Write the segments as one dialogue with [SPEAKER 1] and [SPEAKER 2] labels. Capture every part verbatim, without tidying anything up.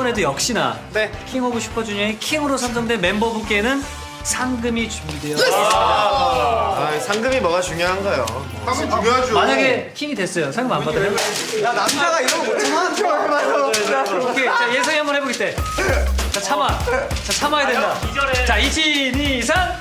[SPEAKER 1] 이번에도 역시나
[SPEAKER 2] 네.
[SPEAKER 1] 킹 오브 슈퍼주니어의 킹으로 선정된 멤버분께는 상금이 준비되어 있습니다.
[SPEAKER 2] 아, 상금이 뭐가 중요한가요?
[SPEAKER 3] 상금 중요하죠.
[SPEAKER 1] 만약에 킹이 됐어요. 상금 안 받아요?
[SPEAKER 4] 야 남자가 이런 거 못하면 좋아요.
[SPEAKER 1] 오케이, 자 예성이 한번 해보겠대. 자 참아, 자 참아야 된다. 자 이진 이산.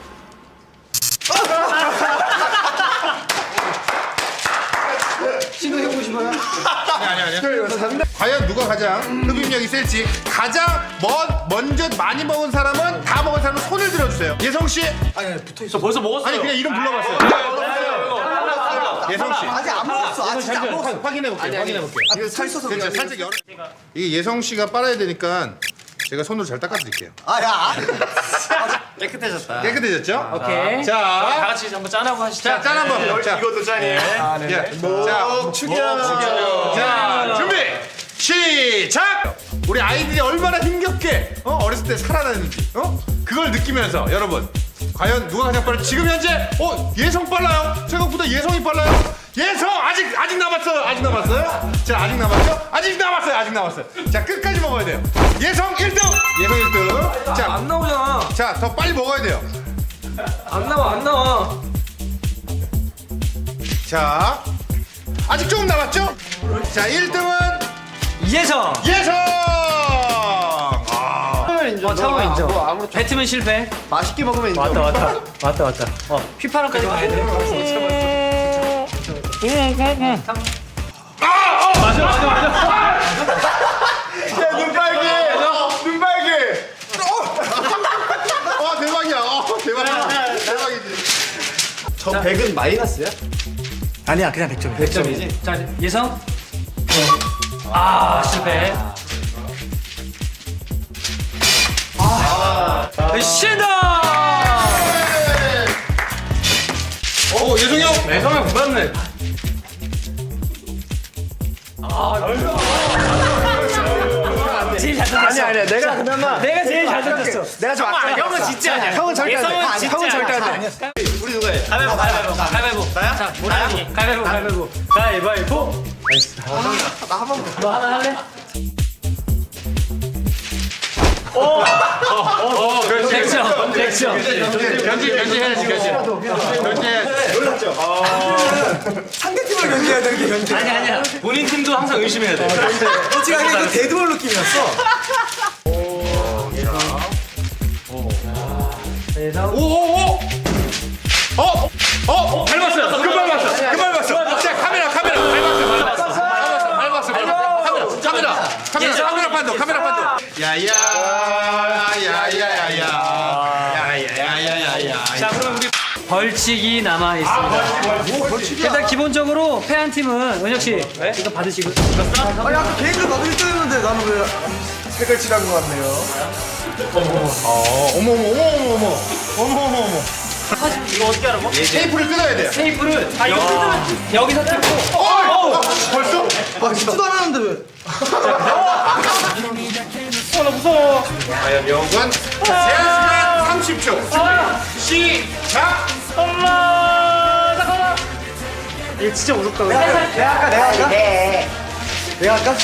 [SPEAKER 4] 시도해보고 싶어요?
[SPEAKER 3] 아니 아니 아니. 과연 누가 가장 흡입력이 셀지 가장 먼 먼저 많이 먹은 사람은 다 먹은 사람은 손을 들어주세요. 예성 씨.
[SPEAKER 4] 아니 아니 붙어있어.
[SPEAKER 2] 저 벌써 먹었어요.
[SPEAKER 3] 아니 그냥 이름 불러봤어요. 예성 씨.
[SPEAKER 4] 아직 안 먹었어. 아직 안 먹었어.
[SPEAKER 3] 확인해 볼게요. 확인해 볼게요.
[SPEAKER 4] 이거 살 있어서
[SPEAKER 3] 그렇죠.
[SPEAKER 4] 그냥.
[SPEAKER 3] 살짝 열어. 이게 예성 씨가 빨아야 되니까 제가 손으로 잘 닦아드릴게요.
[SPEAKER 4] 아야.
[SPEAKER 2] 깨끗해졌다.
[SPEAKER 3] 깨끗해졌죠?
[SPEAKER 1] 오케이.
[SPEAKER 3] 자,
[SPEAKER 1] 다 같이 한번 짠하고 하시죠.
[SPEAKER 3] 자, 짠 한번. 자,
[SPEAKER 2] 이것도 짠이에요.
[SPEAKER 3] 자, 자,
[SPEAKER 2] 죽여.
[SPEAKER 3] 자, 준비 시작. 우리 아이들이 얼마나 힘겹게 어? 어렸을 때 살아났는지 어? 그걸 느끼면서 여러분 과연 누가 가장 빠르? 지금 현재 어 예성 빨라요. 생각보다 예성이 빨라요. 예성 아직 아직 남았어요. 아직 남았어요. 자 아직 남았죠? 아직 남았어요. 아직 남았어요. 자 끝까지 먹어야 돼요. 예성 일 등. 예성 일 등. 자,
[SPEAKER 4] 안 나오잖아.
[SPEAKER 3] 자 더 빨리 먹어야 돼요.
[SPEAKER 4] 안 나와 안 나와.
[SPEAKER 3] 자 아직 조금 남았죠? 자 일 등은
[SPEAKER 1] 예성.
[SPEAKER 3] 예성. 아.
[SPEAKER 1] 어 차원 인정. 배트맨 실패.
[SPEAKER 2] 맛있게 먹으면 인정.
[SPEAKER 1] 왔다 왔다 왔다 왔다. 어 휘파람까지 가야 돼. 맞아 맞아 맞아.
[SPEAKER 3] 야, 눈 빨개! 눈 빨개! 와, 대박이야. 어, 대박이야. 대박이지.
[SPEAKER 2] 저 백은 마이너스야?
[SPEAKER 4] 아니야 그냥 백 점.
[SPEAKER 1] 백 점이지. 자 예성. 아 실패. 아 신다.
[SPEAKER 3] 오, 예성이 형!
[SPEAKER 1] 예성이 못 봤네. 제일 잘 던졌어.
[SPEAKER 2] 아니야 아니야 내가 그나마
[SPEAKER 1] 내가 제일 잘 던졌어.
[SPEAKER 2] 내가 좀 아까 형은 진짜 아니야. 형은 절대 안 돼.
[SPEAKER 1] 예성은
[SPEAKER 2] 아니,
[SPEAKER 1] 진짜
[SPEAKER 2] 형은 절대 안
[SPEAKER 1] 아니야.
[SPEAKER 2] 돼. 우리 누가 해?
[SPEAKER 1] 가위바위보 가위바위보 가위바위보.
[SPEAKER 2] 나야?
[SPEAKER 1] 자 가위바위보 가위바위보 가위바위보 가위바위보.
[SPEAKER 4] 나 한 번.
[SPEAKER 1] 너 하나 할래?
[SPEAKER 3] 어, 그렇지.
[SPEAKER 1] 백 점 백 점.
[SPEAKER 3] 견지, 견지 해야지, 견지. 견지 해야지.
[SPEAKER 4] 상대팀을 견제해야 되는 게 견제.
[SPEAKER 1] 아니 아니야.
[SPEAKER 2] 본인 팀도 항상 의심해야 돼.
[SPEAKER 4] 솔직하게 그 데드볼 느낌이었어.
[SPEAKER 1] 예성.
[SPEAKER 3] 오, 오, 오! 어? 어? 밟았어요. 금방 밟았어. 금방 밟았어. 자, 카메라, 카메라. 밟았어, 밟았어. 밟았어, 밟았어. 카메라, 카메라. 카메라, 카메라 판도, 카메라 판도. 야야, 야야야야. 야야야야야.
[SPEAKER 1] 자 그럼 우리 벌칙이 남아 있습니다. 일단 기본적으로 패한 팀은 은혁 씨 이거 받으시고.
[SPEAKER 4] 아니 아까 계획을 봐도 일 등했는데 나는 왜 색을 칠한 것 같네요.
[SPEAKER 3] 어, 어머, 어머, 어머, 어머, 어머. 어머, 어머, 어머.
[SPEAKER 1] 이거 어떻게 알아?
[SPEAKER 3] 테이프를 뜯어야 돼요.
[SPEAKER 1] 테이프를 아 이거 뜯으면 여기서 뜯고.
[SPEAKER 3] 어! 벌써?
[SPEAKER 4] 아 진짜도 안 하는데 왜?
[SPEAKER 3] 과연 영관 제한 시간 삼십 초 시작.
[SPEAKER 1] 엄마 잠깐만. 이거 진짜 무섭다.
[SPEAKER 4] 내가 할까 내가 할까? 내가 할까?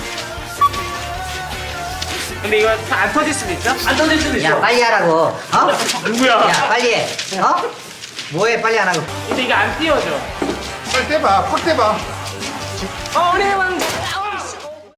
[SPEAKER 1] 근데 이거 안 터질 수도 있죠? 안 터질 수도
[SPEAKER 5] 야 빨리 하라고. 어?
[SPEAKER 1] 누구야?
[SPEAKER 5] 야 빨리 해. 어? 뭐해 빨리 안 하고.
[SPEAKER 1] 근데 이게 안 띄워져.
[SPEAKER 3] 빨리 떼봐. 확 떼봐.
[SPEAKER 1] 어레 왕.